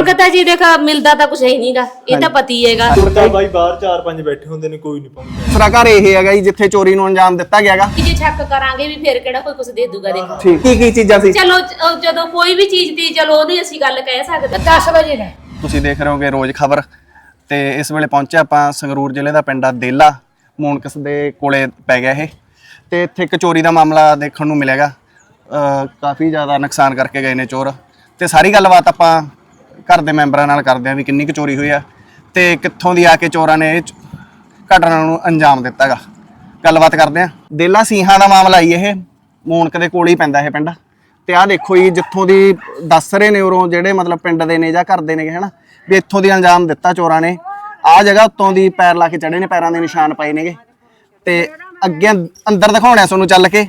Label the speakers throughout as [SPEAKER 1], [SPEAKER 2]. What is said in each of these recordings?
[SPEAKER 1] ਮੰਗਤਾ ਜੀ ਦੇਖਾ ਮਿਲਦਾ ਤਾਂ ਕੁਝ ਹੈ ਨਹੀਂਗਾ, ਇਹ ਤਾਂ ਪਤੀ ਹੈਗਾ।
[SPEAKER 2] ਬਾਈ ਬਾਹਰ 4-5 ਬੈਠੇ ਹੁੰਦੇ ਨੇ, ਕੋਈ ਨਹੀਂ ਪਾਉਂਦਾ।
[SPEAKER 3] ਦੂਸਰਾ ਘਰ ਇਹ ਹੈਗਾ ਜੀ ਜਿੱਥੇ ਚੋਰੀ ਨੂੰ ਅੰਜਾਮ ਦਿੱਤਾ ਗਿਆਗਾ।
[SPEAKER 1] ਕਿ ਜੇ ਸ਼ੱਕ ਕਰਾਂਗੇ ਵੀ ਫਿਰ ਕਿਹੜਾ ਕੋਈ ਕੁਝ ਦੇ ਦੂਗਾ। ਦੇਖੋ
[SPEAKER 3] ਠੀਕ, ਕੀ ਚੀਜ਼ਾਂ ਸੀ?
[SPEAKER 1] ਚਲੋ ਜਦੋਂ ਕੋਈ ਵੀ ਚੀਜ਼ ਦੀ ਚਲੋ ਉਹਦੀ ਅਸੀਂ ਗੱਲ ਕਹਿ ਸਕਦੇ।
[SPEAKER 4] 10 ਵਜੇ ਦਾ
[SPEAKER 3] ਤੁਸੀਂ ਦੇਖ ਰਹੇ ਹੋਗੇ ਰੋਜ਼ ਖਬਰ ਤੇ ਇਸ ਵੇਲੇ ਪਹੁੰਚੇ ਆਪਾਂ ਸੰਗਰੂਰ ਜ਼ਿਲ੍ਹੇ ਦਾ ਪਿੰਡ ਆ ਦੇਲਾ, ਮੂਨਕਸ ਦੇ ਕੋਲੇ ਪੈ ਗਿਆ ਇਹ, ਤੇ ਇੱਥੇ ਇੱਕ ਚੋਰੀ ਦਾ ਮਾਮਲਾ ਦੇਖਣ ਨੂੰ ਮਿਲੇਗਾ। ਕਾਫੀ ਜ਼ਿਆਦਾ ਨੁਕਸਾਨ ਕਰਕੇ ਗਏ ਨੇ ਚੋਰ, ਤੇ ਸਾਰੀ ਗੱਲਬਾਤ ਆਪਾਂ ਘਰ ਦੇ ਮੈਂਬਰਾਂ ਨਾਲ ਕਰਦੇ ਆਂ ਵੀ ਕਿੰਨੀ ਕੁ ਚੋਰੀ ਹੋਈ ਆ ਤੇ ਕਿੱਥੋਂ ਦੀ ਆ ਕੇ ਚੋਰਾਂ ਨੇ ਇਹ ਘਟਨਾ ਨੂੰ ਅੰਜਾਮ ਦਿੱਤਾਗਾ। ਗੱਲਬਾਤ ਕਰਦੇ ਆਂ। ਦੇਲਾ ਸਿੰਘਾਂ ਦਾ ਮਾਮਲਾ ਹੀ ਇਹ, ਮੂਨਕ ਦੇ ਕੋਲ ਹੀ ਪੈਂਦਾ ਇਹ ਪਿੰਡ। ਤੇ ਆਹ ਦੇਖੋ ਜੀ ਜਿੱਥੋਂ ਦੀ ਦੱਸ ਰਹੇ ਨੇ ਉਰੋਂ ਜਿਹੜੇ ਮਤਲਬ ਪਿੰਡ ਦੇ ਨੇ ਜਾਂ ਘਰ ਦੇ ਨੇ ਹਨਾ, ਵੀ ਇੱਥੋਂ ਦੀ ਅੰਜਾਮ ਦਿੱਤਾ ਚੋਰਾਂ ਨੇ। ਆਹ ਜਗ੍ਹਾ ਉੱਤੋਂ ਦੀ ਪੈਰ ਲਾ ਕੇ ਚੜੇ ਨੇ, ਪੈਰਾਂ ਦੇ ਨਿਸ਼ਾਨ ਪਏ ਨੇਗੇ। ਤੇ ਅੱਗੇ ਅੰਦਰ ਦਿਖਾਉਣਾ ਤੁਹਾਨੂੰ ਚੱਲ ਕੇ।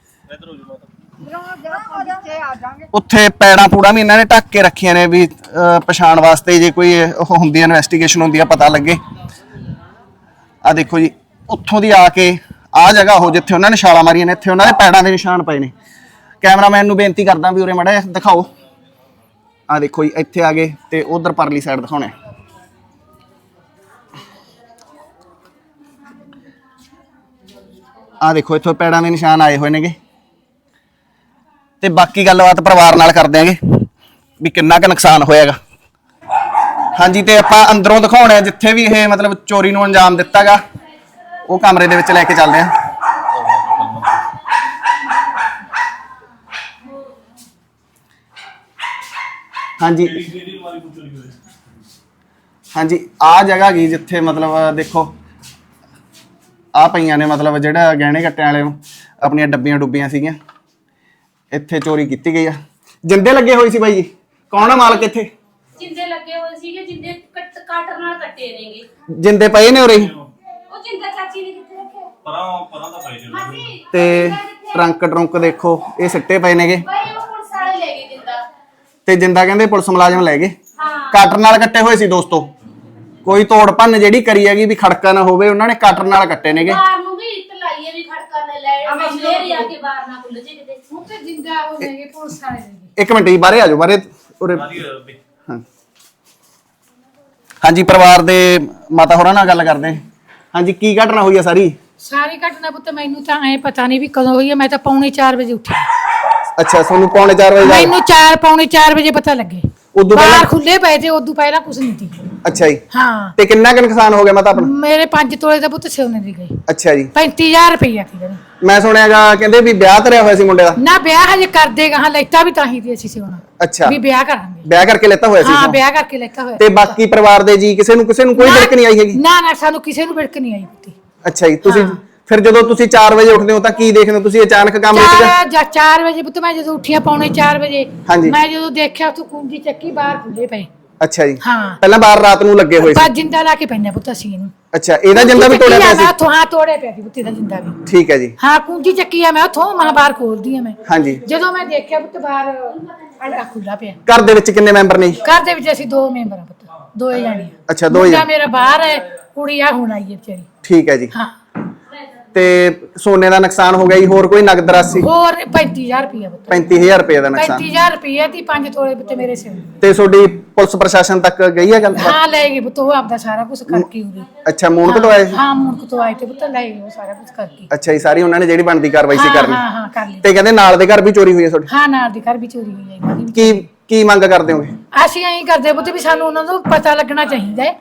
[SPEAKER 3] ਉੱਥੇ ਪੈੜਾਂ ਪੂੜਾ ਵੀ ਇਹਨਾਂ ਨੇ ਢੱਕ ਕੇ ਰੱਖੀਆਂ ਨੇ ਵੀ ਪਛਾਣ ਵਾਸਤੇ, ਜੇ ਕੋਈ ਉਹ ਹੁੰਦੀ ਹੈ ਇਨਵੈਸਟੀਗੇਸ਼ਨ ਹੁੰਦੀ ਆ ਪਤਾ ਲੱਗੇ। ਆ ਦੇਖੋ ਜੀ ਉੱਥੋਂ ਦੀ ਆ ਕੇ ਆਹ ਜਗ੍ਹਾ ਉਹ ਜਿੱਥੇ ਉਹਨਾਂ ਨੇ ਛਾਲਾਂ ਮਾਰੀਆਂ ਨੇ, ਇੱਥੇ ਉਹਨਾਂ ਦੇ ਪੈੜਾਂ ਦੇ ਨਿਸ਼ਾਨ ਪਏ ਨੇ। ਕੈਮਰਾਮੈਨ ਨੂੰ ਬੇਨਤੀ ਕਰਦਾ ਵੀ ਉਰੇ ਮਾੜਾ ਜਿਹਾ ਦਿਖਾਓ। ਆ ਦੇਖੋ ਜੀ ਇੱਥੇ ਆ ਗਏ ਤੇ ਉਧਰ ਪਰਲੀ ਸਾਈਡ ਦਿਖਾਉਣਾ। ਆ ਦੇਖੋ ਇੱਥੋਂ ਪੈੜਾਂ ਦੇ ਨਿਸ਼ਾਨ ਆਏ ਹੋਏ ਨੇਗੇ। ਤੇ ਬਾਕੀ ਗੱਲਬਾਤ ਪਰਿਵਾਰ ਨਾਲ ਕਰ ਦਿਆਂਗੇ ਵੀ ਕਿੰਨਾ ਕੁ ਨੁਕਸਾਨ ਹੋਇਆਗਾ। ਹਾਂਜੀ, ਤੇ ਆਪਾਂ ਅੰਦਰੋਂ ਦਿਖਾਉਣਾ ਜਿੱਥੇ ਵੀ ਇਹ ਮਤਲਬ ਚੋਰੀ ਨੂੰ ਅੰਜਾਮ ਦਿੱਤਾਗਾ, ਉਹ ਕਮਰੇ ਦੇ ਵਿੱਚ ਲੈ ਕੇ ਚੱਲਦੇ ਆਂ। ਹਾਂਜੀ ਹਾਂਜੀ, ਆ ਜਗ੍ਹਾ ਗਈ ਜਿੱਥੇ ਮਤਲਬ ਦੇਖੋ ਆ ਪਈਆਂ ਨੇ ਮਤਲਬ ਜਿਹੜਾ ਗਹਿਣੇ ਕੱਟਣ ਵਾਲੇ ਨੂੰ ਆਪਣੀਆਂ ਡੱਬੀਆਂ ਡੁੱਬੀਆਂ ਸੀਗੀਆਂ। ਇੱਥੇ ਚੋਰੀ ਕੀਤੀ ਗਈ ਆ। ਜਿੰਦੇ ਲੱਗੇ ਹੋਏ ਸੀ ਬਾਈ ਜੀ, ਕੌਣ ਆ ਮਾਲਕ ਇੱਥੇ?
[SPEAKER 1] ਜਿੰਦੇ ਲੱਗੇ ਹੋਏ ਸੀਗੇ, ਜਿੰਦੇ ਕਾਟਰ ਨਾਲ ਕੱਟੇ ਨੇਗੇ।
[SPEAKER 3] ਜਿੰਦੇ ਪਏ ਨੇ ਉਰੇ?
[SPEAKER 1] ਉਹ ਜਿੰਦਾ ਚਾਚੀ ਨੇ ਕਿੱਥੇ ਰੱਖਿਆ?
[SPEAKER 2] ਪਰਾਂ ਦਾ ਪਏ ਨੇ।
[SPEAKER 3] ਤੇ ਟਰੰਕ ਦੇਖੋ ਇਹ ਸਿੱਟੇ ਪਏ ਨੇਗੇ।
[SPEAKER 1] ਬਾਈ ਉਹ ਪੁਲਿਸ ਵਾਲੇ ਲੈ ਗਏ ਜਿੰਦਾ।
[SPEAKER 3] ਤੇ ਜਿੰਦਾ ਕਹਿੰਦੇ ਪੁਲਿਸ ਮੁਲਾਜ਼ਮ ਲੈ ਗਏ।
[SPEAKER 1] ਹਾਂ,
[SPEAKER 3] ਕਾਟਰ ਨਾਲ ਕੱਟੇ ਹੋਏ ਸੀ ਦੋਸਤੋ। ਕੋਈ ਤੋੜ ਭੰਨ ਜਿਹੜੀ ਕਰੀ ਹੈਗੀ ਵੀ ਖੜਕਾ ਨਾ ਹੋਵੇ, ਉਹਨਾਂ ਨੇ ਕਾਟਰ ਨਾਲ ਕੱਟੇ ਨੇਗੇ।
[SPEAKER 1] ਬਾਹਰ ਨੂੰ ਵੀ ਇੱਟ ਲਾਈਏ ਵੀ ਖੜਕਾ ਨਾ ਲੈ, ਮੇਰੀ ਆ ਕੇ ਬਾਹਰ ਨਾ ਖੁੱਲ ਜੇ ਕਿਤੇ।
[SPEAKER 4] ਹੁਣ ਤੇ ਜਿੰਦਾ ਹੋ ਗਏ ਪੁਲਿਸ ਵਾਲੇ ਦੇ।
[SPEAKER 3] ਇੱਕ ਮਿੰਟ ਜੀ, ਬਾਹਰੇ ਆ ਜਾਓ, ਬਾਹਰੇ ਉਰੇ। ਹਾਂ ਹਾਂਜੀ, ਪਰਿਵਾਰ ਦੇ ਮਾਤਾ ਹੋਰਾਂ ਨਾਲ ਗੱਲ ਕਰਦੇ। ਹਾਂਜੀ, ਕੀ ਘਟਨਾ ਹੋਈ ਆ ਸਾਰੀ?
[SPEAKER 4] ਸਾਰੀ ਘਟਨਾ ਪੁੱਤ ਮੈਨੂੰ ਤਾਂ ਐ ਪਤਾ ਨਹੀਂ ਵੀ ਕਦੋਂ ਹੋਈ ਹੈ। ਮੈਂ ਤਾਂ ਪੌਣੇ 4 ਵਜੇ ਉੱਠੀ।
[SPEAKER 3] ਅੱਛਾ, ਤੁਹਾਨੂੰ ਪੌਣੇ 4 ਵਜੇ
[SPEAKER 4] ਮੈਨੂੰ ਪੌਣੇ 4 ਵਜੇ ਪਤਾ ਲੱਗੇ।
[SPEAKER 3] ਉਦੋਂ
[SPEAKER 4] ਬਾਹਰ
[SPEAKER 3] ਪਹਿਲਾਂ
[SPEAKER 4] ਖੁੱਲੇ ਪਏ ਤੇ ਉਦੋਂ ਪਹਿਲਾਂ ਕੁਝ ਨਹੀਂ ਸੀ।
[SPEAKER 3] ਅੱਛਾ ਜੀ।
[SPEAKER 4] ਹਾਂ,
[SPEAKER 3] ਤੇ ਕਿੰਨਾ ਕੁ ਨੁਕਸਾਨ ਹੋ ਗਿਆ ਮਾਤਾ ਆਪਣਾ?
[SPEAKER 4] ਮੇਰੇ 5 ਤੋਲੇ ਦਾ ਪੁੱਤ ਸੋਨੇ ਦੀ ਗਈ।
[SPEAKER 3] ਅੱਛਾ ਜੀ।
[SPEAKER 4] 35000 ਰੁਪਈਆ ਸੀ ਜਿਹੜੀ।
[SPEAKER 3] ਮੈਂ ਸੁਣਿਆਗਾ ਕਹਿੰਦੇ ਵੀ ਵਿਆਹ ਧਰਿਆ ਹੋਇਆ ਸੀ ਮੁੰਡੇ ਦਾ।
[SPEAKER 4] ਨਾ ਵਿਆਹ ਹਜੇ ਕਰਦੇ ਗਾਹਾਂ ਲੈਤਾ ਵੀ ਤਾਂ ਹੀ ਦੀ ਅਸੀਂ ਸੋਨਾ
[SPEAKER 3] ਅੱਛਾ,
[SPEAKER 4] ਵੀ ਵਿਆਹ ਕਰਾਂਗੇ।
[SPEAKER 3] ਵਿਆਹ ਕਰਕੇ ਲੈਤਾ ਹੋਇਆ ਸੀ?
[SPEAKER 4] ਹਾਂ, ਵਿਆਹ ਕਰਕੇ ਲੈਤਾ ਹੋਇਆ।
[SPEAKER 3] ਤੇ ਬਾਕੀ ਪਰਿਵਾਰ ਦੇ ਜੀ ਕਿਸੇ ਨੂੰ ਕੋਈ ਵਿੜਕ ਨਹੀਂ ਆਈ ਹੈਗੀ?
[SPEAKER 4] ਨਾ ਸਾਨੂੰ ਕਿਸੇ ਨੂੰ ਵਿੜਕ ਨਹੀਂ ਆਈ ਪੁੱਤੀ।
[SPEAKER 3] ਅੱਛਾ ਜੀ। ਤੁਸੀਂ ਫਿਰ ਜਦੋਂ ਤੁਸੀਂ 4 ਵਜੇ ਉੱਠਦੇ ਹੋ ਤਾਂ ਕੀ ਦੇਖਦੇ ਹੋ ਤੁਸੀਂ? ਅਚਾਨਕ ਕੰਮ ਵਿੱਚ
[SPEAKER 4] 4 ਵਜੇ ਪੁੱਤ ਮੈਂ ਜਦੋਂ ਉੱਠਿਆ ਪੌਣੇ 4 ਵਜੇ,
[SPEAKER 3] ਹਾਂਜੀ।
[SPEAKER 4] ਮੈਂ ਜਦੋਂ ਦੇਖਿਆ ਤੂੰ ਕੁੰਜੀ ਚੱਕੀ ਬਾਹਰ ਖੁੱਲੇ ਪਏ।
[SPEAKER 3] ਅੱਛਾ ਜੀ।
[SPEAKER 4] ਹਾਂ,
[SPEAKER 3] ਪਹਿਲਾਂ ਬਾਹਰ ਰਾਤ ਨੂੰ ਲੱਗੇ ਹੋਏ ਸੀ?
[SPEAKER 4] ਬਸ ਜਿੰਦਾ ਲਾ ਕੇ ਪੈਣਾ ਪੁੱਤ ਅਸੀਂ ਇਹਨੂੰ।
[SPEAKER 3] ਅੱਛਾ, ਇਹਦਾ ਜਿੰਦਾ ਵੀ ਤੋੜਿਆ ਪਿਆ ਸੀ?
[SPEAKER 4] ਹਾਂ, ਤੋੜਿਆ ਪਿਆ ਸੀ ਪੁੱਤ ਦਾ ਜਿੰਦਾ ਵੀ।
[SPEAKER 3] ਠੀਕ ਹੈ ਜੀ।
[SPEAKER 4] ਹਾਂ, ਕੁੰਜੀ ਚੱਕੀ ਆ ਮੈਂ ਉੱਥੋਂ ਬਾਹਰ ਖੋਲਦੀ ਆ ਮੈਂ।
[SPEAKER 3] ਹਾਂਜੀ।
[SPEAKER 4] ਜਦੋਂ ਮੈਂ ਦੇਖਿਆ ਪੁੱਤ ਬਾਹਰ ਅੜਾ ਖੁੱਲਾ ਪਿਆ।
[SPEAKER 3] ਘਰ ਦੇ ਵਿੱਚ ਕਿੰਨੇ ਮੈਂਬਰ ਨੇ?
[SPEAKER 4] ਘਰ ਦੇ ਵਿੱਚ ਅਸੀਂ 2 ਮੈਂਬਰ ਆ ਪੁੱਤ, 2 ਜਾਣੇ।
[SPEAKER 3] ਅੱਛਾ, 2
[SPEAKER 4] ਮੁੰਡਾ ਮੇਰਾ ਬਾਹਰ ਹੈ, ਕੁੜੀ ਆ ਹੁਣ ਆਈ ਹੈ ਵਿਚਾਰੀ।
[SPEAKER 3] ਠੀਕ ਹੈ ਜੀ।
[SPEAKER 4] ਹਾਂ,
[SPEAKER 3] ਤੇ ਸੋਨੇ ਦਾ ਨੁਕਸਾਨ ਹੋ ਗਿਆ ਜੀ, ਹੋਰ ਕੋਈ ਨਗਦ ਰਾਸ਼ੀ?
[SPEAKER 4] ਹੋਰ 35000 ਰੁਪਇਆ ਪੁੱਤ।
[SPEAKER 3] 35000 ਰੁਪਏ ਦਾ ਨੁਕਸਾਨ?
[SPEAKER 4] 35000 ਰੁਪਇਆ ਦੀ 5 ਤੋਲੇ ਪੁੱਤ ਮੇਰੇ ਸਿਰ।
[SPEAKER 3] ਤੇ ਤੁਹਾਡੀ ਪੁਲਿਸ ਪ੍ਰਸ਼ਾਸਨ ਤੱਕ ਗਈ ਹੈ ਗੱਲ?
[SPEAKER 4] ਹਾਂ, ਲੈ ਗਏ ਪੁੱਤ, ਉਹ ਆਪਦਾ ਸਾਰਾ ਕੁਝ ਕਰਕੇ ਉਰੇ।
[SPEAKER 3] ਅੱਛਾ, ਮੂਨਕ ਤੋਂ ਆਏ ਸੀ?
[SPEAKER 4] ਹਾਂ, ਮੂਨਕ ਤੋਂ ਆਏ ਤੇ ਪੁੱਤ ਲੈ ਗਏ ਉਹ ਸਾਰਾ ਕੁਝ ਕਰਕੇ।
[SPEAKER 3] ਅੱਛਾ ਜੀ, ਸਾਰੀ ਉਹਨਾਂ ਨੇ ਜਿਹੜੀ ਬਣਦੀ ਕਾਰਵਾਈ ਸੀ ਕਰਨੀ?
[SPEAKER 4] ਹਾਂ ਹਾਂ, ਕਰ ਲਈ।
[SPEAKER 3] ਤੇ ਕਹਿੰਦੇ ਨਾਲ ਦੇ ਘਰ ਵੀ ਚੋਰੀ ਹੋਈ ਹੈ ਤੁਹਾਡੀ?
[SPEAKER 4] ਹਾਂ, ਨਾਲ ਦੇ ਘਰ ਵੀ ਚੋਰੀ ਹੋਈ ਹੈ ਇਹਨਾਂ ਦੀ।
[SPEAKER 3] ਕੀ ਮੰਗ ਕਰਦੇ ਹੋਗੇ?
[SPEAKER 4] ਅਸੀਂ ਐਂ ਕਰਦੇ ਪੁੱਤ ਵੀ ਸਾਨੂੰ ਉਹਨਾਂ ਨੂੰ ਪਤਾ ਲੱਗਣਾ ਚਾਹੀਦਾ ਹੈ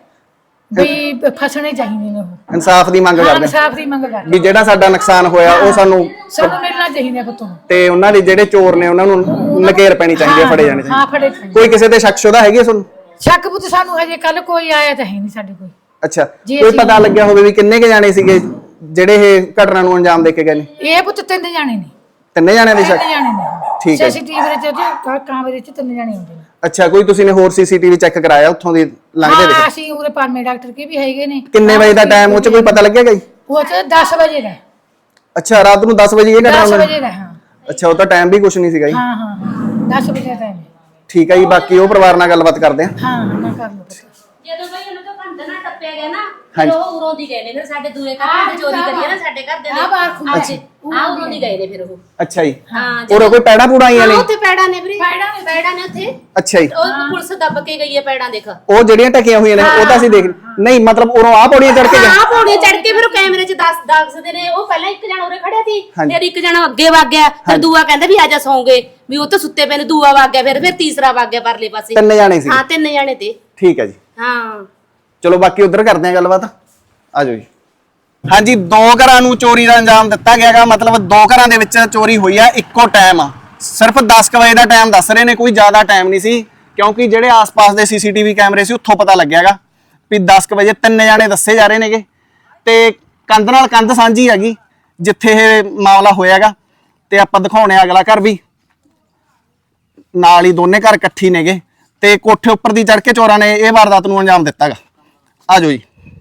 [SPEAKER 4] ਵੀ ਫਸਣੇ ਚਾਹੀਦੇ ਨੇ ਉਹ।
[SPEAKER 3] ਇਨਸਾਫ ਦੀ ਮੰਗ ਕਰਦੇ ਹਾਂ
[SPEAKER 4] ਇਨਸਾਫ ਦੀ ਮੰਗ ਕਰਦੇ
[SPEAKER 3] ਵੀ ਜਿਹੜਾ ਸਾਡਾ ਨੁਕਸਾਨ ਹੋਇਆ ਉਹ ਸਾਨੂੰ
[SPEAKER 4] ਮਿਲਣਾ ਚਾਹੀਦਾ ਪੁੱਤ ਨੂੰ।
[SPEAKER 3] ਤੇ ਉਹਨਾਂ ਦੇ ਜਿਹੜੇ ਚੋਰ ਨੇ ਉਹਨਾਂ ਨੂੰ ਨਕੇਰ ਪੈਣੀ ਚਾਹੀਦੀ ਹੈ, ਫੜੇ ਜਾਣੇ
[SPEAKER 4] ਹਾਂ,
[SPEAKER 3] ਚਾਹੀਦੇ।
[SPEAKER 4] ਫੜੇ ਚਾਹੀਦੇ।
[SPEAKER 3] ਕੋਈ ਕਿਸੇ ਤੇ ਸ਼ੱਕ ਸ਼ੁਦਾ ਹੈਗੀ ਹੈ ਤੁਹਾਨੂੰ?
[SPEAKER 4] ਸ਼ੱਕ ਪੁੱਤ ਸਾਨੂੰ ਹਜੇ ਕੱਲ ਕੋਈ ਆਇਆ ਤਾਂ ਹੈ ਨਹੀਂ ਸਾਡੇ ਕੋਲ।
[SPEAKER 3] ਅੱਛਾ, ਕੋਈ ਪਤਾ ਲੱਗਿਆ ਹੋਵੇ ਵੀ ਕਿੰਨੇ ਕੇ ਜਾਣੇ ਸੀਗੇ ਜਿਹੜੇ ਇਹ ਘਟਨਾ ਨੂੰ ਅੰਜਾਮ ਦੇ ਕੇ ਗਏ ਨੇ?
[SPEAKER 4] ਇਹ ਪੁੱਤ 3 ਜਾਣੇ ਨੇ।
[SPEAKER 3] 3 ਜਾਣਿਆਂ ਦੀ ਸ਼ੱਕ?
[SPEAKER 4] 3 ਜਾਣੇ ਨੇ।
[SPEAKER 3] ਠੀਕ ਹੈ।
[SPEAKER 4] ਸੀਸੀਟੀਵੀ ਵਿੱਚ ਕੈਮਰੇ 'ਚ 3 ਜਾਣੇ ਹੁੰਦੇ ਨੇ।
[SPEAKER 3] ਅੱਛਾ, ਕੋਈ ਤੁਸੀਂ ਨੇ ਹੋਰ ਸੀਸੀਟੀਵੀ ਚੈੱਕ ਕਰਾਇਆ ਉੱਥੋਂ ਦੀ ਲੰਘਦੇ
[SPEAKER 4] ਹਾਂ,
[SPEAKER 3] ਦੇ?
[SPEAKER 4] ਅਸੀਂ ਉਰੇ ਪਰਮੇ ਡਾਕਟਰ ਕੇ ਵੀ ਹੈਗੇ ਨੇ।
[SPEAKER 3] ਕਿੰਨੇ ਵਜੇ ਦਾ ਟਾਈਮ ਉਹ ਚ ਕੋਈ ਪਤਾ ਲੱਗਿਆ ਗਈ?
[SPEAKER 4] ਉਹ 10 ਵਜੇ ਦਾ।
[SPEAKER 3] ਅੱਛਾ, ਰਾਤ ਨੂੰ 10 ਵਜੇ ਇਹ ਘਟਨਾ
[SPEAKER 4] 10
[SPEAKER 3] ਹੋਈ?
[SPEAKER 4] ਵਜੇ ਦਾ। ਹਾਂ
[SPEAKER 3] ਅੱਛਾ, ਉਹ ਤਾਂ ਟਾਈਮ ਵੀ ਕੁਝ ਨਹੀਂ ਸੀਗਾ ਜੀ।
[SPEAKER 4] ਹਾਂ ਹਾਂ, 10 ਵਜੇ ਦਾ ਟਾਈਮ।
[SPEAKER 3] ਠੀਕ ਹੈ ਜੀ, ਬਾਕੀ ਉਹ ਪਰਿਵਾਰ ਨਾਲ ਗੱਲਬਾਤ ਕਰਦੇ ਆ।
[SPEAKER 4] ਹਾਂ, ਨਾ ਕਰ ਲਓ।
[SPEAKER 1] ਜਦੋਂ ਬਈ ਉਹਨਾਂ ਤੋਂ ਕੰਧ ਨਾ ਟੱਪੇ ਟੱਪਿਆ ਗਿਆ ਨਾ ਫਿਰ ਉਹ ਉਰੋਂ ਦੀ ਗਏ ਨੇ ਫਿਰ ਸਾਡੇ ਦੂਏ ਘਰ ਦੇ ਚੋਰੀ ਕਰੀਏ ਨਾ ਸਾਡੇ ਘਰ ਦੇ
[SPEAKER 4] ਆ ਬਾਹਰ ਖੁੱਲ੍ਹਾ ਸੀ।
[SPEAKER 1] ਉਰੋਂ ਦੀ ਗਏ ਨੇ ਫਿਰ ਉਹ
[SPEAKER 3] ਅੱਛਾ ਜੀ
[SPEAKER 1] ਹਾਂ
[SPEAKER 3] ਹੋਰ ਕੋਈ ਪੈੜਾ ਪੂੜਾ ਆਈਆਂ ਨੇ
[SPEAKER 1] ਉੱਥੇ ਪੈੜਾਂ ਨੇ ਵੀਰੇ ਪੈੜਾਂ ਨੇ ਉੱਥੇ
[SPEAKER 3] ਅੱਛਾ ਜੀ
[SPEAKER 1] ਉਹ ਪੁਲਿਸ ਦੱਬ ਕੇ ਗਈ ਹੈ ਪੈੜਾਂ ਦੇਖ
[SPEAKER 3] ਉਹ ਜਿਹੜੀਆਂ ਟਕੀਆਂ ਹੋਈਆਂ ਨੇ ਉਹ ਤਾਂ ਅਸੀਂ ਦੇਖ ਨਹੀਂ ਮਤਲਬ ਉਰੋਂ ਆ ਪੌੜੀਆਂ ਚੜ ਕੇ ਗਏ
[SPEAKER 1] ਹਾਂ ਪੌੜੀ ਚੜ ਕੇ ਫਿਰ ਉਹ ਕੈਮਰੇ 'ਚ ਦੱਸਦੇ ਨੇ ਉਹ ਪਹਿਲਾਂ ਇੱਕ ਜਣਾ ਉਰੇ ਖੜਿਆ ਸੀ ਫਿਰ ਇੱਕ ਜਣਾ ਅੱਗੇ ਵਗ ਗਿਆ ਫਿਰ ਦੂਆ ਕਹਿੰਦਾ ਵੀ ਆਜਾ ਸੌਂਗੇ ਵੀ ਉਹ ਤਾਂ ਸੁੱਤੇ ਪਏ ਨੇ ਦੂਆ ਵਗ ਗਿਆ ਫਿਰ ਤੀਸਰਾ ਵਗ ਗਿਆ ਪਰਲੇ ਪਾਸੇ
[SPEAKER 3] 3 ਜਾਣੇ ਸੀ
[SPEAKER 1] ਹਾਂ 3 ਜਣੇ ਤੇ
[SPEAKER 3] ਠੀਕ ਹੈ ਜੀ
[SPEAKER 1] ਹਾਂ
[SPEAKER 3] ਚਲੋ ਬਾਕੀ ਉਧਰ ਕਰਦੇ ਆ ਗੱਲਬਾਤ ਆ ਜਾਓ ਜੀ ਹਾਂਜੀ 2 ਘਰਾਂ ਨੂੰ ਚੋਰੀ ਦਾ ਅੰਜਾਮ ਦਿੱਤਾ ਗਿਆਗਾ ਮਤਲਬ 2 ਘਰਾਂ ਦੇ ਵਿੱਚ ਚੋਰੀ ਹੋਈ ਆ ਇੱਕੋ ਟਾਈਮ ਸਿਰਫ 10 ਵਜੇ ਦਾ ਟਾਈਮ ਦੱਸ ਰਹੇ ਨੇ ਕੋਈ ਜ਼ਿਆਦਾ ਟਾਈਮ ਨਹੀਂ ਸੀ ਕਿਉਂਕਿ ਜਿਹੜੇ ਆਸ-ਪਾਸ ਦੇ ਸੀਸੀਟੀਵੀ ਕੈਮਰੇ ਸੀ ਉੱਥੋਂ ਪਤਾ ਲੱਗਿਆਗਾ ਵੀ 10 ਵਜੇ 3 ਜਾਣੇ ਦੱਸੇ ਜਾ ਰਹੇ ਨੇਗੇ ਤੇ ਕੰਧ ਨਾਲ ਕੰਧ ਸਾਂਝੀ ਹੈਗੀ ਜਿੱਥੇ ਇਹ ਮਾਮਲਾ ਹੋਇਆਗਾ ਤੇ ਆਪਾਂ ਦਿਖਾਉਣੇ ਆ ਅਗਲਾ ਘਰ ਵੀ ਨਾਲ ਹੀ ਦੋਨੇ ਘਰ ਇਕੱਠੀ ਨੇਗੇ ਤੇ ਕੋਠੇ ਉੱਪਰ ਦੀ ਚੜ ਕੇ ਚੋਰਾਂ ਨੇ ਇਹ ਵਾਰਦਾਤ ਨੂੰ ਅੰਜਾਮ ਦਿੱਤਾਗਾ ਆ ਜਾਓ ਜੀ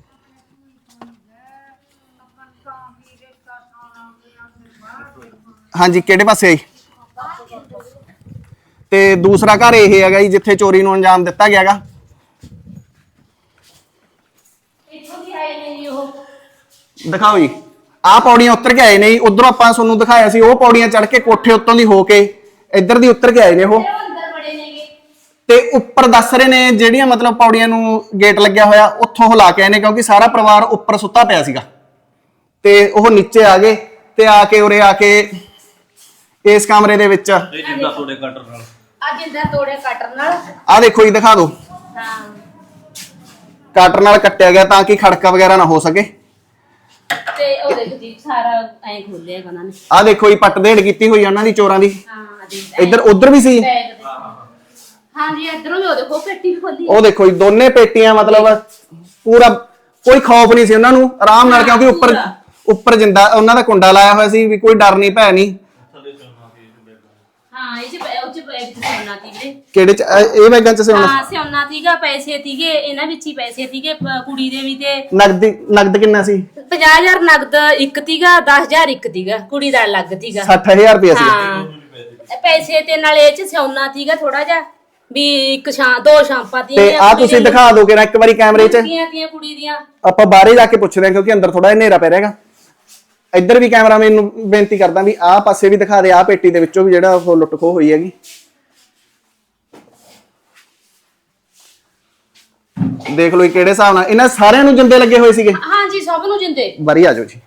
[SPEAKER 3] ਹਾਂਜੀ ਕਿਹੜੇ ਪਾਸੇ ਆਈ ਤੇ ਦੂਸਰਾ ਘਰ ਇਹ ਹੈਗਾ ਜੀ ਜਿੱਥੇ ਚੋਰੀ ਨੂੰ ਅੰਜਾਮ ਦਿੱਤਾ ਗਿਆਗਾ
[SPEAKER 1] ਇੱਥੋਂ ਦੀ ਆਏ ਨੇ ਜੀ ਉਹ
[SPEAKER 3] ਦਿਖਾਓ ਜੀ ਆਹ ਪੌੜੀਆਂ ਉੱਤਰ ਕੇ ਆਏ ਨੇ ਜੀ ਉਧਰੋਂ ਆਪਾਂ ਤੁਹਾਨੂੰ ਦਿਖਾਇਆ ਸੀ ਉਹ ਪੌੜੀਆਂ ਚੜ ਕੇ ਕੋਠੇ ਉੱਤੋਂ ਦੀ ਹੋ ਕੇ ਇੱਧਰ ਦੀ ਉੱਤਰ ਕੇ ਆਏ ਨੇ ਉਹ
[SPEAKER 1] ਅੰਦਰ ਬੜੇ ਨੇਗੇ
[SPEAKER 3] ਤੇ ਉੱਪਰ ਦੱਸ ਰਹੇ ਨੇ ਜਿਹੜੀਆਂ ਮਤਲਬ ਪੌੜੀਆਂ ਨੂੰ ਗੇਟ ਲੱਗਿਆ ਹੋਇਆ ਉੱਥੋਂ ਹਿਲਾ ਕੇ ਆਏ ਨੇ ਕਿਉਂਕਿ ਸਾਰਾ ਪਰਿਵਾਰ ਉੱਪਰ ਸੁੱਤਾ ਪਿਆ ਸੀਗਾ ਤੇ ਉਹ ਨੀਚੇ ਆ ਗਏ ਤੇ ਆ ਕੇ ਉਰੇ ਆ ਕੇ ਇਸ ਕਮਰੇ ਦੇ ਵਿੱਚ
[SPEAKER 2] ਇਹ ਜਿੰਦਾ ਤੁਹਾਡੇ ਕਟਰ ਨਾਲ
[SPEAKER 1] ਅੱਜ ਇੰਦਰ ਤੋੜੇ ਕਟਰ ਨਾਲ
[SPEAKER 3] ਆ ਦੇਖੋ ਜੀ ਦਿਖਾ ਦਿਓ
[SPEAKER 1] ਹਾਂ
[SPEAKER 3] ਕਟਰ ਨਾਲ ਕੱਟਿਆ ਗਿਆ ਤਾਂ ਕਿ ਖੜਕਾ ਵਗੈਰਾ ਨਾ ਹੋ ਸਕੇ
[SPEAKER 1] ਤੇ ਉਹ ਦੇਖ ਜੀ ਸਾਰਾ ਐਂ ਖੋਲਿਆ ਉਹਨਾਂ ਨੇ
[SPEAKER 3] ਆ ਦੇਖੋ ਜੀ ਪੱਟ ਦੇੜ ਕੀਤੀ ਹੋਈ ਆ ਉਹਨਾਂ ਦੀ ਚੋਰਾਂ ਦੀ
[SPEAKER 1] ਹਾਂ
[SPEAKER 3] ਇੱਧਰ ਉਧਰ ਵੀ ਸੀ
[SPEAKER 1] ਹਾਂ ਜੀ ਇਧਰੋਂ ਵੀ ਉਹ ਦੇਖੋ ਪੇਟੀ ਵੀ ਖੋਲੀ
[SPEAKER 3] ਉਹ ਦੇਖੋ ਜੀ ਦੋਨੇ ਪੇਟੀਆਂ ਮਤਲਬ ਪੂਰਾ ਕੋਈ ਖੌਫ ਨਹੀਂ ਸੀ ਉਹਨਾਂ ਨੂੰ ਆਰਾਮ ਨਾਲ ਕਿਉਂਕਿ ਉੱਪਰ ਜਿੰਦਾ ਉਹਨਾਂ ਦਾ ਕੁੰਡਾ ਲਾਇਆ ਹੋਇਆ ਸੀ ਵੀ ਕੋਈ ਡਰ ਨਹੀਂ ਭੈ ਨਹੀਂ
[SPEAKER 1] ਹਾਂ ਇਹ ਚ ਉਹ ਚ ਬੈਗ ਚ ਸੋਨਾ ਸੀ ਵੀਰੇ
[SPEAKER 3] ਕਿਹੜੇ ਚ ਇਹ ਬੈਗਾਂ ਚ ਸੋਨਾ
[SPEAKER 1] ਹਾਂ ਸੋਨਾ ਸੀਗਾ ਪੈਸੇ ਸੀਗੇ ਇਹਨਾਂ ਵਿੱਚ ਹੀ ਪੈਸੇ ਸੀਗੇ ਕੁੜੀ ਦੇ ਵੀ ਤੇ
[SPEAKER 3] ਨਗਦ ਕਿੰਨਾ ਸੀ
[SPEAKER 1] 50000 ਨਗਦ ਇੱਕ ਸੀਗਾ 10000 ਇੱਕ ਸੀਗਾ ਕੁੜੀ ਦਾ ਅਲੱਗ ਸੀਗਾ
[SPEAKER 3] 60000 ਰੁਪਏ ਸੀ
[SPEAKER 1] ਹਾਂ ਪੈਸੇ ਤੇ ਨਾਲ ਇਹ ਚ ਸੋਨਾ ਸੀਗਾ ਥੋੜਾ ਜਿਹਾ ਵੀ ਇੱਕ ਦੋ ਸ਼ਾਂਪਾਂ
[SPEAKER 3] ਤੇ ਆ ਤੁਸੀਂ ਦਿਖਾ ਦਿਓ ਕਿ ਇੱਕ ਵਾਰੀ ਕੈਮਰੇ 'ਚ
[SPEAKER 1] ਤੀਆਂ ਕੁੜੀ ਦੀਆਂ
[SPEAKER 3] ਆਪਾਂ ਬਾਹਰੇ ਜਾ ਕੇ ਪੁੱਛਦੇ ਹਾਂ ਕਿਉਂਕਿ ਅੰਦਰ ਥੋੜਾ ਹਨੇਰਾ ਪੈ ਰਿਹਾਗਾ ਇੱਧਰ ਵੀ ਕੈਮਰਾਮੈਨ ਨੂੰ ਬੇਨਤੀ ਕਰਦਾ ਵੀ ਆਹ ਪਾਸੇ ਵੀ ਦਿਖਾ ਦੇ ਆਹ ਪੇਟੀ ਦੇ ਵਿੱਚੋਂ ਵੀ ਜਿਹੜਾ ਉਹ ਲੁੱਟ ਖੋਹ ਹੋਈ ਹੈਗੀ ਦੇਖ ਲਓ ਕਿਹੜੇ ਹਿਸਾਬ ਨਾਲ ਇਹਨਾਂ ਸਾਰਿਆਂ ਨੂੰ ਜਿੰਦੇ ਲੱਗੇ ਹੋਏ ਸੀਗੇ
[SPEAKER 1] ਹਾਂ ਜੀ ਸਭ ਨੂੰ ਜਿੰਦੇ
[SPEAKER 3] ਬਾਰੀ ਆ ਜਾਓ ਜੀ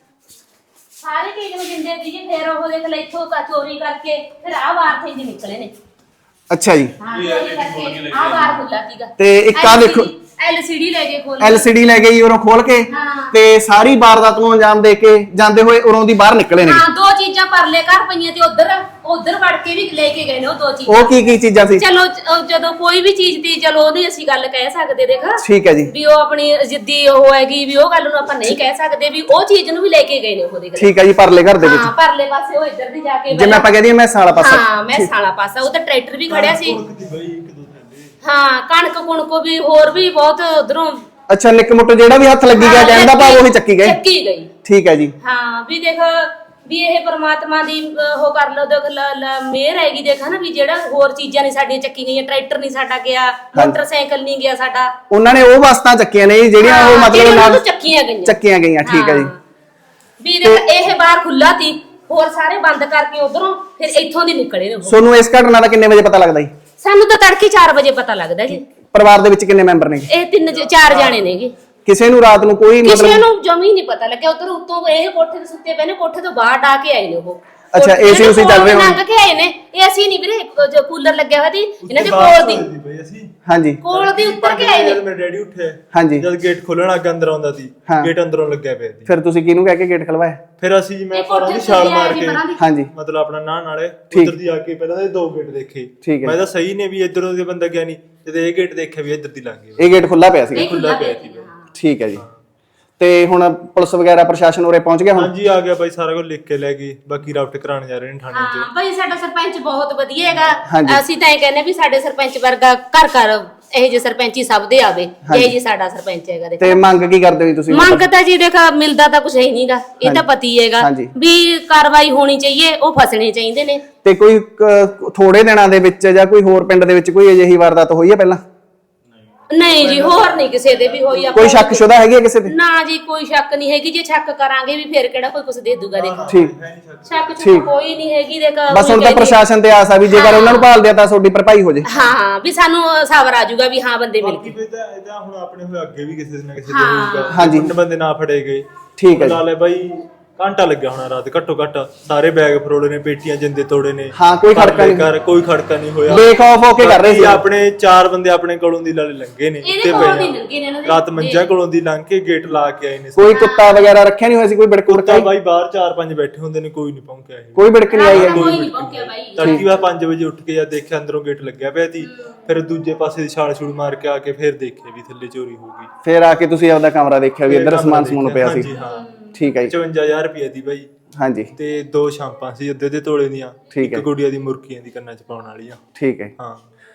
[SPEAKER 1] ਸਾਰੇ ਕੇਕ ਨੂੰ ਜਿੰਦੇ ਸੀਗੇ ਫਿਰ ਉਹ ਦੇਖ ਲੈ ਇੱਥੋਂ ਚੋਰੀ ਕਰਕੇ ਫਿਰ ਆਹ ਬਾਹਰ থেকে ਨਿਕਲੇ ਨੇ
[SPEAKER 3] ਅੱਛਾ ਜੀ
[SPEAKER 1] ਹਾਂ ਚੋਰੀ ਕਰਕੇ ਆਹ ਬਾਹਰ ਖੁੱਲਾ ਸੀਗਾ
[SPEAKER 3] ਤੇ ਇੱਕ ਆ ਦੇਖੋ
[SPEAKER 1] LCD ਲੈ ਕੇ ਖੋਲ
[SPEAKER 3] LCD ਲੈ ਗਈ ਉਰੋਂ ਖੋਲ ਕੇ ਤੇ ਸਾਰੀ ਵਾਰਦਾਤ ਨੂੰ ਅੰਜਾਮ ਦੇ ਕੇ ਜਾਂਦੇ ਹੋਏ ਉਰੋਂ ਦੀ ਬਾਹਰ ਨਿਕਲੇ ਨੇ
[SPEAKER 1] ਹਾਂ ਦੋ ਚੀਜ਼ਾਂ ਪਰਲੇ ਘਰ ਪਈਆਂ ਤੇ ਉਧਰ ਵੜ ਕੇ ਵੀ ਲੈ ਕੇ ਗਏ ਨੇ ਉਹ ਦੋ ਚੀਜ਼ਾਂ
[SPEAKER 3] ਉਹ ਕੀ ਚੀਜ਼ਾਂ ਸੀ
[SPEAKER 1] ਚਲੋ ਜਦੋਂ ਕੋਈ ਵੀ ਚੀਜ਼ ਦੀ ਚਲੋ ਉਹਦੀ ਅਸੀਂ ਗੱਲ ਕਹਿ ਸਕਦੇ ਦੇਖ
[SPEAKER 3] ਠੀਕ ਹੈ ਜੀ
[SPEAKER 1] ਵੀ ਉਹ ਆਪਣੀ ਜਿੱਦੀ ਉਹ ਹੈਗੀ ਵੀ ਉਹ ਗੱਲ ਨੂੰ ਆਪਾਂ ਨਹੀਂ ਕਹਿ ਸਕਦੇ ਵੀ ਉਹ ਚੀਜ਼ ਨੂੰ ਵੀ ਲੈ ਕੇ ਗਏ ਨੇ ਉਹ ਦੇਖ
[SPEAKER 3] ਠੀਕ ਹੈ ਜੀ ਪਰਲੇ ਘਰ ਦੇ ਵਿੱਚ
[SPEAKER 1] ਹਾਂ ਪਰਲੇ ਪਾਸੇ ਉਹ ਇੱਧਰ ਦੀ ਜਾ ਕੇ
[SPEAKER 3] ਜਿਵੇਂ ਆਪਾਂ ਕਹਿੰਦੇ ਮੈਂ ਸਾਲਾ ਪਾਸਾ
[SPEAKER 1] ਹਾਂ ਮੈਂ ਸਾਲਾ ਪਾਸਾ ਉਹ ਤਾਂ ਟਰੈਕਟਰ ਵੀ ਖੜਿਆ ਸੀ ਹਾਂ ਕਣਕ ਕੁਣਕੋ ਵੀ ਹੋਰ ਵੀ ਬਹੁਤ ਉਧਰੋਂ
[SPEAKER 3] ਅੱਛਾ ਨਿੱਕ ਮੁੱਟ ਜਿਹੜਾ ਵੀ ਹੱਥ ਲੱਗੀ ਗਿਆ ਕਹਿੰਦਾ ਭਾਵ ਉਹੀ ਚੱਕੀ
[SPEAKER 1] ਗਈ
[SPEAKER 3] ਠੀਕ ਹੈ ਜੀ
[SPEAKER 1] ਹਾਂ ਵੀ ਦੇਖ ਵੀ ਇਹ ਪਰਮਾਤਮਾ ਦੀ ਉਹ ਕਰ ਲੋ ਦੇਖ ਮਿਹਰ ਹੈਗੀ ਦੇਖ ਨਾ ਵੀ ਜਿਹੜਾ ਹੋਰ ਚੀਜ਼ਾਂ ਨਹੀਂ ਸਾਡੀਆਂ ਚੱਕੀ ਗਈਆਂ ਟਰੈਕਟਰ ਨਹੀਂ ਸਾਡਾ ਗਿਆ ਮੋਟਰਸਾਈਕਲ ਨਹੀਂ ਗਿਆ ਸਾਡਾ
[SPEAKER 3] ਉਹਨਾਂ ਨੇ ਉਹ ਵਸਤਾਂ ਚੱਕੀਆਂ ਨੇ ਜਿਹੜੀਆਂ ਉਹ ਮਤਲਬ ਨਾਲ ਚੱਕੀਆਂ ਗਈਆਂ ਠੀਕ ਹੈ ਜੀ
[SPEAKER 1] ਵੀ ਦੇਖ ਇਹ ਬਾਹਰ ਖੁੱਲਾ ਸੀ ਹੋਰ ਸਾਰੇ ਬੰਦ ਕਰਕੇ ਉਧਰੋਂ ਫਿਰ ਇੱਥੋਂ ਦੀ ਨਿਕਲੇ ਨੇ ਉਹ
[SPEAKER 3] ਤੁਹਾਨੂੰ ਇਸ ਘਟਨਾ ਦਾ ਕਿੰਨੇ ਵਜੇ ਪਤਾ ਲੱਗਦਾ ਜੀ
[SPEAKER 1] ਸਾਨੂੰ ਤਾਂ ਤੜਕੇ 4 ਵਜੇ ਪਤਾ ਲੱਗਦਾ ਜੀ
[SPEAKER 3] ਪਰਿਵਾਰ ਦੇ ਵਿੱਚ ਕਿੰਨੇ ਮੈਂਬਰ ਨੇ
[SPEAKER 1] ਇਹ 4 ਜਾਣੇ ਨੇਗੇ
[SPEAKER 3] ਕਿਸੇ ਨੂੰ ਰਾਤ ਨੂੰ ਕੋਈ
[SPEAKER 1] ਕਿਸੇ ਨੂੰ ਜਮੀ ਨਹੀਂ ਪਤਾ ਲੱਗਿਆ ਉਧਰ ਉੱਤੋਂ ਇਹ ਕੋਠੇ ਤੇ ਸੁੱਤੇ ਪਏ ਨੇ ਕੋਠੇ ਤੋਂ ਬਾਹਰ ਡਾ ਕੇ ਆਏ ਨੇ ਉਹ
[SPEAKER 3] ਅੱਛਾ ਏਸੀ ਉਸੇ ਚੱਲ ਰਹੇ
[SPEAKER 1] ਲੰਘ ਕੇ ਆਏ ਨੇ ਇਹ ਅਸੀਂ ਨਹੀਂ ਵੀਰੇ ਜੋ ਕੂਲਰ ਲੱਗਿਆ ਹੋਇਆ ਸੀ ਇਹਨਾਂ ਦੇ ਕੋਲ ਦੀ
[SPEAKER 3] ਹਾਂਜੀ
[SPEAKER 1] ਕੋਲ ਦੀ ਉੱਤਰ ਕੇ ਆਏ ਨੇ
[SPEAKER 2] ਜਦ ਮੇਰਾ ਡੈਡੀ ਉੱਠਿਆ
[SPEAKER 3] ਹਾਂਜੀ
[SPEAKER 2] ਜਦ ਗੇਟ ਖੋਲਣ ਅੱਗੇ ਅੰਦਰ ਆਉਂਦਾ ਸੀ ਗੇਟ ਅੰਦਰੋਂ ਲੱਗਿਆ ਪਿਆ ਸੀ
[SPEAKER 3] ਫਿਰ ਤੁਸੀਂ ਕਿਹਨੂੰ ਕਹਿ ਕੇ ਗੇਟ ਖਲਵਾਇਆ
[SPEAKER 2] ਫਿਰ ਅਸੀਂ ਜੀ ਮੈਂ ਪਰਾਂ ਦੀ ਛਾਲ ਮਾਰ ਕੇ
[SPEAKER 3] ਹਾਂਜੀ
[SPEAKER 2] ਮਤਲਬ ਆਪਣਾ ਨਾਲੇ ਉਧਰ ਦੀ ਆ ਕੇ ਪਹਿਲਾਂ ਦੇ 2 ਗੇਟ ਦੇਖੇ ਮੈਂ ਤਾਂ ਸਹੀ ਨੇ ਵੀ ਇਧਰੋਂ ਦੇ ਬੰਦਾ ਗਿਆ ਨਹੀਂ ਤੇ ਇਹ ਗੇਟ ਦੇਖਿਆ ਵੀ ਇੱਧਰ ਦੀ ਲੰਘ ਗਿਆ
[SPEAKER 3] ਇਹ ਗੇਟ ਖੁੱਲਾ ਪਿਆ ਸੀ
[SPEAKER 2] ਖੁੱਲਾ ਪਿਆ ਸੀ
[SPEAKER 3] ਠੀਕ ਹੈ ਜੀ ਤੇ ਹੁਣ ਪੁਲਿਸ ਵਗੈਰਾ ਪ੍ਰਸ਼ਾਸਨ ਉਰੇ ਪਹੁੰਚ ਗਿਆ ਹੁਣ
[SPEAKER 2] ਹਾਂਜੀ ਆ ਗਿਆ ਬਾਈ ਸਾਰਾ ਕੁਝ ਲਿਖ ਕੇ ਲੈ ਗਈ ਬਾਕੀ ਰਾਊਟ ਕਰਾਉਣ ਜਾ ਰਹੇ ਨੇ ਥਾਣੇ 'ਚ
[SPEAKER 1] ਹਾਂ ਬਾਈ ਸਾਡਾ ਸਰਪੰਚ ਬਹੁਤ ਵਧੀਆ ਹੈਗਾ ਅਸੀਂ ਤਾਂ ਇਹ ਕਹਿੰਦੇ ਵੀ ਸਾਡੇ ਸਰਪੰਚ ਵਰਗਾ ਘਰ ਘਰ ਇਹ ਜੇ ਸਰਪੰਚੀ ਸਭ ਦੇ ਆਵੇ ਇਹ ਜੀ ਸਾਡਾ ਸਰਪੰਚ ਹੈਗਾ
[SPEAKER 3] ਤੇ ਮੰਗ ਕੀ ਕਰਦੇ ਹੋ ਤੁਸੀਂ
[SPEAKER 1] ਮੰਗ ਤਾਂ ਜੀ ਦੇਖ ਮਿਲਦਾ ਤਾਂ ਕੁਝ ਹੈ ਨਹੀਂਗਾ ਇਹ ਤਾਂ ਪਤੀ ਹੈਗਾ ਵੀ ਕਾਰਵਾਈ ਹੋਣੀ ਚਾਹੀਏ ਉਹ ਫਸਣੇ ਚਾਹੀਦੇ ਨੇ
[SPEAKER 3] ਤੇ ਕੋਈ ਥੋੜੇ ਦਿਨਾਂ ਦੇ ਵਿੱਚ ਜਾਂ ਕੋਈ ਹੋਰ ਪਿੰਡ ਦੇ ਵਿੱਚ ਕੋਈ ਅਜਿਹੀ ਵਾਰਦਾਤ ਹੋਈ ਹੈ ਪਹਿਲਾਂ
[SPEAKER 1] ਨਹੀਂ ਜੀ ਹੋਰ ਨਹੀਂ ਕਿਸੇ ਦੇ ਵੀ ਹੋਈ
[SPEAKER 3] ਕੋਈ ਸ਼ੱਕ ਸ਼ੁਦਾ ਹੈਗੀ ਹੈ ਕਿਸੇ ਤੇ?
[SPEAKER 1] ਨਾ ਜੀ ਕੋਈ ਸ਼ੱਕ ਨਹੀਂ ਹੈਗੀ, ਜੇ ਸ਼ੱਕ ਕਰਾਂਗੇ ਵੀ ਫਿਰ ਕਿਹੜਾ ਕੋਈ ਕੁਝ ਦੇ ਦੂਗਾ ਦੇਖ।
[SPEAKER 3] ਠੀਕ
[SPEAKER 1] ਸ਼ੱਕ ਚ ਕੋਈ ਨਹੀਂ ਹੈਗੀ ਦੇਖ।
[SPEAKER 3] ਬਸ ਹੁਣ ਤਾਂ ਪ੍ਰਸ਼ਾਸਨ ਤੇ ਆਸ ਆ ਵੀ ਜੇਕਰ ਉਹਨਾਂ ਨੂੰ ਭਾਲਦੇ ਆ ਤਾਂ ਤੁਹਾਡੀ ਭਰਪਾਈ ਹੋ ਜੇ।
[SPEAKER 1] ਹਾਂ ਵੀ ਸਾਨੂੰ ਸਬਰ ਆ ਜਾਊਗਾ ਵੀ ਹਾਂ ਬੰਦੇ ਮਿਲ ਗਏ।
[SPEAKER 2] ਇਹਦਾ ਹੁਣ ਆਪਣੇ ਹੋਏ ਅੱਗੇ ਵੀ ਕਿਸੇ ਨਾ ਕਿਸੇ ਦੇ ਹੋਊਗਾ।
[SPEAKER 3] ਹਾਂਜੀ।
[SPEAKER 2] ਬੰਦੇ ਨਾ ਫੜੇ ਗਏ।
[SPEAKER 3] ਠੀਕ ਹੈ ਜੀ।
[SPEAKER 2] ਲਾ ਲੈ ਬਾਈ ਘੰਟਾ ਲੱਗਿਆ ਹੋਣਾ ਰਾਤ ਘੱਟੋ ਘੱਟ, ਸਾਰੇ ਬੈਗ ਫਰੋੜੇ ਨੇ, ਪੇਟੀਆਂ ਜਿੰਦੇ ਤੋੜੇ ਨੇ।
[SPEAKER 3] ਹਾਂ ਕੋਈ ਖੜਕਾ ਨਹੀਂ,
[SPEAKER 2] ਕੋਈ ਖੜਕਾ ਨਹੀਂ ਹੋਇਆ।
[SPEAKER 3] ਬੇਖੌਫ ਹੋ ਕੇ ਕਰ ਰਹੇ ਸੀ।
[SPEAKER 2] ਆਪਣੇ 4 ਬੰਦੇ ਆਪਣੇ ਕੋਲੋਂ ਦੀ ਲਾਲੇ ਲੰਘੇ ਨੇ
[SPEAKER 1] ਇਹਦੇ ਕੋਲੋਂ ਦੀ ਲੰਘੇ ਨੇ ਇਹਨਾਂ ਦੇ।
[SPEAKER 2] ਰਾਤ ਮੰਜਾ ਕੋਲੋਂ ਦੀ ਲੰਘ ਕੇ ਗੇਟ ਲਾ ਕੇ ਆਏ ਨੇ।
[SPEAKER 3] ਕੋਈ ਕੁੱਤਾ ਵਗੈਰਾ ਰੱਖਿਆ ਨਹੀਂ ਹੋਇਆ ਸੀ? ਕੋਈ ਬਿੜਕ
[SPEAKER 2] ਕੁੱਤਾ ਬਾਈ ਬਾਹਰ 4-5 ਬੈਠੇ ਹੁੰਦੇ ਨੇ, ਕੋਈ ਨਹੀਂ ਪਹੁੰਚਿਆ ਇਹ।
[SPEAKER 3] ਕੋਈ ਬਿੜਕ ਨਹੀਂ ਆਈ ਹੈਗੀ?
[SPEAKER 1] ਕੋਈ ਨਹੀਂ ਪਹੁੰਚਿਆ ਬਾਈ।
[SPEAKER 2] ਤੜਕੀ ਵਾ 5 ਵਜੇ ਉੱਠ ਕੇ ਜਦ ਦੇਖਿਆ ਅੰਦਰੋਂ ਗੇਟ ਲੱਗਿਆ ਪਿਆ ਸੀ, ਫਿਰ ਦੂਜੇ ਪਾਸੇ ਦੀ ਛਾਲ ਛੂਲ ਮਾਰ ਕੇ ਆ ਕੇ ਫਿਰ ਦੇਖਿਆ ਵੀ ਥੱਲੇ ਚੋਰੀ ਹੋ ਗਈ।
[SPEAKER 3] ਫਿਰ ਆ ਕੇ ਤੁਸੀਂ ਆਪਦਾ ਕਮਰਾ ਦੇਖਿਆ ਵੀ ਇੱਧਰ ਸਮਾਨ ਸਮੂਨ ਪਿਆ ਸੀ?
[SPEAKER 2] ਹਾਂਜੀ ਹਾਂ।
[SPEAKER 3] ਠੀਕ ਹੈ ਜੀ।
[SPEAKER 2] 55000 ਰੁਪਏ ਦੀ ਬਾਈ।
[SPEAKER 3] ਹਾਂਜੀ।
[SPEAKER 2] ਤੇ 2 ਸ਼ਾਂਪਾਂ ਸੀ ਅੱਧੇ ਤੋਲੇ ਦੀਆਂ।
[SPEAKER 3] ਠੀਕ ਹੈ।
[SPEAKER 2] ਇੱਕ ਗੁੜੀਆ ਦੀ ਮੁਰਕੀਆਂ ਦੀ ਕੰਨਾਂ 'ਚ ਪਾਉਣ ਵਾਲੀਆਂ।
[SPEAKER 3] ਠੀਕ ਹੈ।
[SPEAKER 2] ਹਾਂ।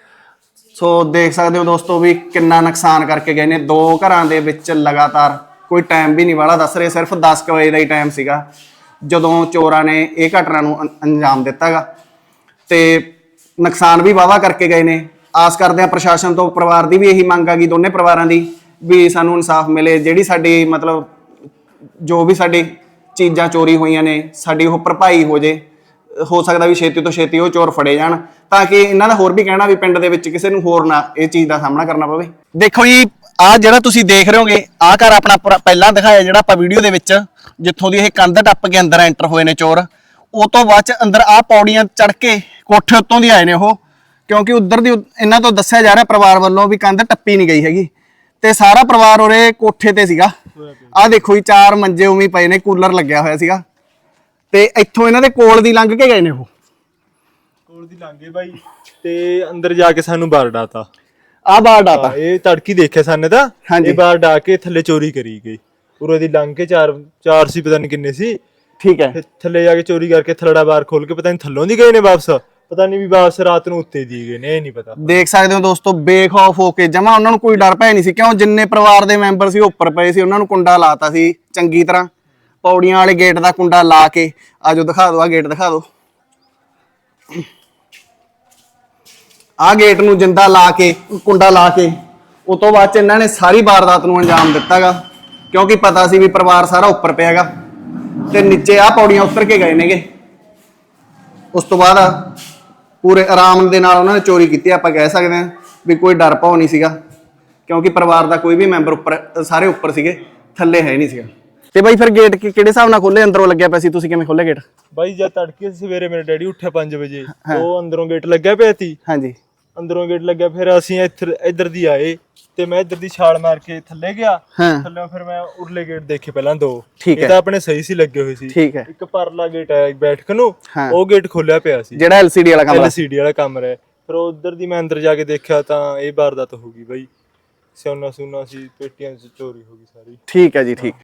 [SPEAKER 3] ਸੋ ਦੇਖ ਸਕਦੇ ਹੋ ਦੋਸਤੋ ਵੀ ਕਿੰਨਾ ਨੁਕਸਾਨ ਕਰਕੇ ਗਏ ਨੇ। 2 ਘਰਾਂ ਦੇ ਵਿੱਚ ਲਗਾਤਾਰ, ਕੋਈ ਟਾਈਮ ਵੀ ਨਹੀਂ ਵਾਲਾ ਦੱਸ ਰਹੇ, ਸਿਰਫ 10 ਵਜੇ ਦਾ ਹੀ ਟਾਈਮ ਸੀਗਾ ਜਦੋਂ ਚੋਰਾਂ ਨੇ ਇਹ ਘਟਨਾ ਨੂੰ ਅੰਜਾਮ ਦਿੱਤਾਗਾ ਤੇ ਨੁਕਸਾਨ ਵੀ ਵਾਵਾ ਕਰਕੇ ਗਏ ਨੇ। ਆਸ ਕਰਦੇ ਆ ਪ੍ਰਸ਼ਾਸਨ ਤੋਂ, ਪਰਿਵਾਰ ਦੀ ਵੀ ਇਹੀ ਮੰਗ ਆ ਗਈ, ਦੋਨੇ ਪਰਿਵਾਰਾਂ ਦੀ, ਵੀ ਸਾਨੂੰ ਇਨਸਾਫ ਮਿਲੇ। ਜਿਹੜੀ ਸਾਡੀ ਮਤਲਬ ਜੋ ਵੀ ਸਾਡੀ ਚੀਜ਼ਾਂ ਚੋਰੀ ਹੋਈਆਂ ਨੇ ਸਾਡੀ ਉਹ ਭਰਪਾਈ ਹੋ ਜੇ। ਹੋ ਸਕਦਾ ਵੀ ਛੇਤੀ ਤੋਂ ਛੇਤੀ ਉਹ ਚੋਰ ਫੜੇ ਜਾਣ ਤਾਂ ਕਿ ਇਹਨਾਂ ਦਾ ਹੋਰ ਵੀ ਕਹਿਣਾ ਵੀ ਪਿੰਡ ਦੇ ਵਿੱਚ ਕਿਸੇ ਨੂੰ ਹੋਰ ਨਾ ਇਹ ਚੀਜ਼ ਦਾ ਸਾਹਮਣਾ ਕਰਨਾ ਪਵੇ। ਦੇਖੋ ਜੀ ਆਹ ਜਿਹੜਾ ਤੁਸੀਂ ਦੇਖ ਰਹੇ ਹੋਗੇ, ਆਹ ਘਰ ਆਪਣਾ ਪਹਿਲਾਂ ਦਿਖਾਇਆ ਜਿਹੜਾ ਆਪਾਂ ਵੀਡੀਓ ਦੇ ਵਿੱਚ, ਜਿੱਥੋਂ ਦੀ ਇਹ ਕੰਧ ਟੱਪ ਕੇ ਅੰਦਰ ਐਂਟਰ ਹੋਏ ਨੇ ਚੋਰ। ਉਹ ਤੋਂ ਬਾਅਦ ਚ ਅੰਦਰ ਆਹ ਪੌੜੀਆਂ ਚੜ ਕੇ ਕੋਠੇ ਉੱਤੋਂ ਦੀ ਆਏ ਨੇ ਉਹ, ਕਿਉਂਕਿ ਉਧਰ ਦੀ ਇਹਨਾਂ ਤੋਂ ਦੱਸਿਆ ਜਾ ਰਿਹਾ ਪਰਿਵਾਰ ਵੱਲੋਂ ਵੀ ਕੰਧ ਟੱਪੀ ਨਹੀਂ ਗਈ ਹੈਗੀ ਤੇ ਸਾਰਾ ਪਰਿਵਾਰ ਉਰੇ ਕੋਠੇ ਤੇ ਸੀਗਾ। ਆਹ ਦੇਖੋ ਜੀ 4 ਮੰਜੇ ਉਵੇਂ ਪਏ ਨੇ, ਕੂਲਰ ਲੱਗਿਆ ਹੋਇਆ ਸੀਗਾ ਤੇ ਇੱਥੋਂ ਇਹਨਾਂ ਦੇ ਕੋਲ ਦੀ ਲੰਘ ਕੇ ਗਏ ਨੇ ਉਹ।
[SPEAKER 2] ਕੋਲ ਦੀ ਲੰਘੇ ਬਾਈ ਤੇ ਅੰਦਰ ਜਾ ਕੇ ਸਾਨੂੰ ਬਾਹਰ ਡਾਤਾ।
[SPEAKER 3] ਆਹ ਬਾਹਰ ਡਾਤਾ
[SPEAKER 2] ਇਹ ਤੜਕੀ ਦੇਖਿਆ ਸਾਨੇ ਤਾਂ। ਇਹ ਬਾਹਰ ਡਾ ਕੇ ਥੱਲੇ ਚੋਰੀ ਕਰੀ ਗਈ। ਉਰੇ ਦੀ ਲੰਘ ਕੇ 4 ਸੀ, ਪਤਾ ਨਹੀਂ ਕਿੰਨੇ ਸੀ।
[SPEAKER 3] ਠੀਕ ਹੈ।
[SPEAKER 2] ਥੱਲੇ ਜਾ ਕੇ ਚੋਰੀ ਕਰਕੇ ਥਲੜਾ ਬਾਹਰ ਖੋਲ ਕੇ ਪਤਾ ਨਹੀਂ ਥੱਲੋਂ ਦੀ ਗਏ ਨੇ ਵਾਪਸ, ਪਤਾ ਨਹੀਂ ਵੀ ਵਾਪਸ ਰਾਤ ਨੂੰ ਉੱਤੇ ਦੀ ਗਏ ਨੇ, ਇਹ ਨਹੀਂ ਪਤਾ।
[SPEAKER 3] ਦੇਖ ਸਕਦੇ ਹੋ ਦੋਸਤੋ ਬੇਖੌਫ ਹੋ ਕੇ ਜਮਾ, ਉਹਨਾਂ ਨੂੰ ਕੋਈ ਡਰ ਭੈ ਨਹੀਂ ਸੀ। ਕਿਉਂ ਜਿੰਨੇ ਪਰਿਵਾਰ ਦੇ ਮੈਂਬਰ ਸੀ ਉੱਪਰ ਪਏ ਸੀ, ਉਹਨਾਂ ਨੂੰ ਕੁੰਡਾ ਲਾਤਾ ਸੀ ਚੰਗੀ ਤਰ੍ਹਾਂ, ਪੌੜੀਆਂ ਵਾਲੇ ਗੇਟ ਦਾ ਕੁੰਡਾ ਲਾ ਕੇ। ਆਜੋ ਦਿਖਾ ਦਿਓ, ਆਹ ਗੇਟ ਦਿਖਾ ਦਿਓ। ਆਹ ਗੇਟ ਨੂੰ ਜਿੰਦਾ ਲਾ ਕੇ, ਕੁੰਡਾ ਲਾ ਕੇ, ਉਸ ਤੋਂ ਬਾਅਦ ਚ ਇਹਨਾਂ ਨੇ ਸਾਰੀ ਵਾਰਦਾਤ ਨੂੰ ਅੰਜਾਮ ਦਿੱਤਾਗਾ ਕਿਉਂਕਿ ਪਤਾ ਸੀ ਵੀ ਪਰਿਵਾਰ ਸਾਰਾ ਉੱਪਰ ਪਿਆਗਾ ਤੇ ਨੀਚੇ ਆਹ ਪੌੜੀਆਂ ਉਤਰ ਕੇ ਗਏ ਨੇਗੇ। ਉਸ ਤੋਂ ਬਾਅਦ ਪੂਰੇ ਆਰਾਮ ਦੇ ਨਾਲ ਉਹਨਾਂ ਨੇ ਚੋਰੀ ਕੀਤੀ। ਆਪਾਂ ਕਹਿ ਸਕਦੇ ਹਾਂ ਵੀ ਕੋਈ ਡਰ ਭੌ ਨਹੀਂ ਸੀਗਾ ਕਿਉਂਕਿ ਪਰਿਵਾਰ ਦਾ ਕੋਈ ਵੀ ਮੈਂਬਰ ਉੱਪਰ, ਸਾਰੇ ਉੱਪਰ ਸੀਗੇ, ਥੱਲੇ ਹੈ ਨਹੀਂ ਸੀਗਾ। ਤੇ ਬਾਈ ਫਿਰ ਗੇਟ ਕਿਹੜੇ ਹਿਸਾਬ ਨਾਲ ਖੋਲੇ? ਅੰਦਰੋਂ ਲੱਗਿਆ ਪਿਆ ਸੀ, ਤੁਸੀਂ ਕਿਵੇਂ ਖੋਲੇ ਗੇਟ?
[SPEAKER 2] ਬਾਈ ਜਦ ਤੜਕੇ ਸਵੇਰੇ ਮੇਰੇ ਡੈਡੀ ਉੱਠਿਆ 5 ਵਜੇ, ਉਹ ਅੰਦਰੋਂ ਗੇਟ ਲੱਗਿਆ ਪਿਆ ਸੀ।
[SPEAKER 3] ਹਾਂਜੀ।
[SPEAKER 2] ਅੰਦਰੋਂ ਗੇਟ ਲੱਗਿਆ, ਫਿਰ ਅਸੀਂ ਇੱਧਰ ਦੀ ਆਏ ਤੇ ਮੈਂ ਇੱਧਰ ਦੀ ਛਾਲ ਮਾਰ ਕੇ ਥੱਲੇ ਗਿਆ। ਥੱਲੇ ਫਿਰ ਮੈਂ ਉਰਲੇ ਗੇਟ ਦੇਖੇ ਪਹਿਲਾਂ 2। ਇਹ ਤਾਂ ਆਪਣੇ ਸਹੀ ਸੀ ਲੱਗੇ ਹੋਏ ਸੀ।
[SPEAKER 3] ਠੀਕ ਹੈ।
[SPEAKER 2] ਇੱਕ ਪਰਲਾ ਗੇਟ ਹੈ ਬੈਠਕ ਨੂੰ, ਉਹ ਗੇਟ ਖੋਲਿਆ ਪਿਆ ਸੀ,
[SPEAKER 3] ਜਿਹੜਾ LCD ਵਾਲਾ ਕਮਰਾ।
[SPEAKER 2] LCD ਵਾਲਾ ਕਮਰਾ ਹੈ। ਫਿਰ ਉਧਰ ਦੀ ਮੈਂ ਅੰਦਰ ਜਾ ਕੇ ਦੇਖਿਆ ਤਾਂ ਇਹ ਵਾਰਦਾਤ ਹੋ ਗਈ ਬਾਈ। ਸੋਨਾ ਸੁਨਾ ਸੀ, ਪੇਟੀਆਂ ਚ ਚੋਰੀ ਹੋ ਗਈ ਸਾਰੀ।
[SPEAKER 3] ਠੀਕ ਹੈ ਜੀ, ਠੀਕ।